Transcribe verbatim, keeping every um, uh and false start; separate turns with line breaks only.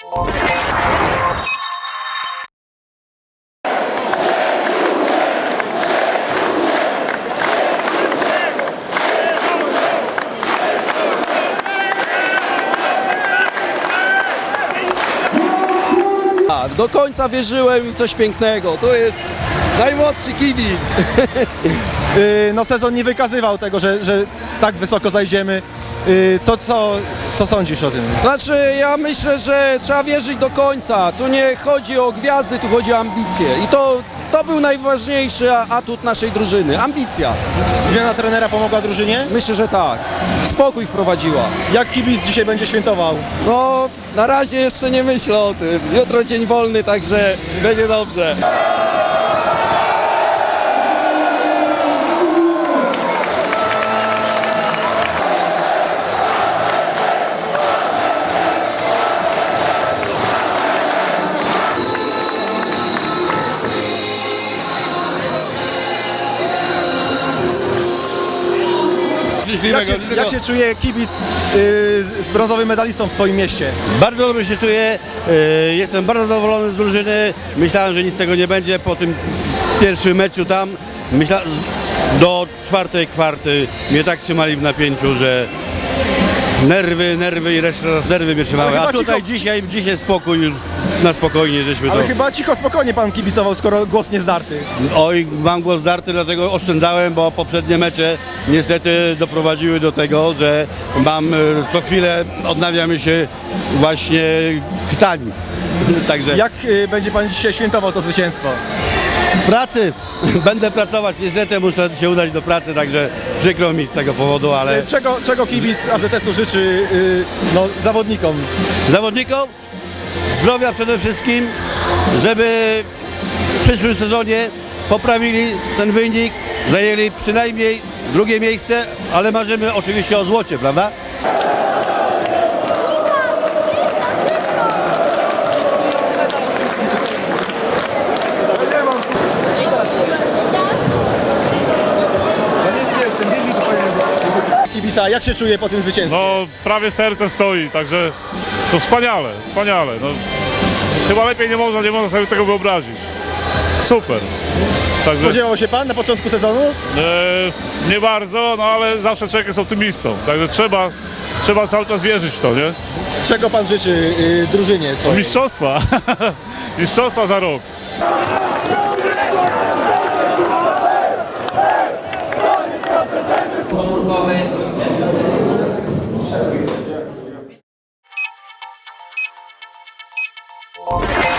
Do końca wierzyłem w coś pięknego. To jest najmłodszy kibic.
No sezon nie wykazywał tego, że, że tak wysoko zajdziemy. Co, co, co sądzisz o tym?
Znaczy, ja myślę, że trzeba wierzyć do końca. Tu nie chodzi o gwiazdy, tu chodzi o ambicje. I to, to był najważniejszy atut naszej drużyny. Ambicja.
Zmiana trenera pomogła drużynie?
Myślę, że tak. Spokój wprowadziła.
Jak kibic dzisiaj będzie świętował?
No, na razie jeszcze nie myślę o tym. Jutro dzień wolny, także będzie dobrze.
Jak się, jak się czuje kibic yy, z brązowym medalistą w swoim mieście?
Bardzo dobrze się czuję, yy, jestem bardzo zadowolony z drużyny. Myślałem, że nic z tego nie będzie po tym pierwszym meczu tam. Myśla, do czwartej kwarty mnie tak trzymali w napięciu, że nerwy, nerwy i jeszcze raz nerwy mnie trzymały. A tutaj cicho... dzisiaj, dzisiaj spokój, już na spokojnie żeśmy
Ale
to...
chyba cicho, spokojnie pan kibicował, skoro głos nie zdarty.
Oj, mam głos zdarty, dlatego oszczędzałem, bo poprzednie mecze niestety doprowadziły do tego, że mam co chwilę odnawiamy się właśnie pytań. Także
Jak y, będzie pan dzisiaj świętował to zwycięstwo?
pracy będę pracować, niestety muszę się udać do pracy, także przykro mi z tego powodu, ale
Y, Czego, czego kibic A Z S-u życzy y, no, zawodnikom?
zawodnikom zdrowia przede wszystkim, żeby w przyszłym sezonie poprawili ten wynik, zajęli przynajmniej drugie miejsce, ale marzymy oczywiście o złocie, prawda?
Kibica, jak się czuje po tym zwycięstwie?
No prawie serce stoi, także to wspaniale, wspaniale. No, chyba lepiej nie można, nie można sobie tego wyobrazić. Super. Także,
Spodziewał się pan na początku sezonu?
e, nie bardzo, no ale zawsze człowiek jest optymistą, także trzeba, trzeba cały czas wierzyć w to, nie?
Czego pan życzy y, drużynie swojej?
Mistrzostwa, mistrzostwa za rok.
Głowy.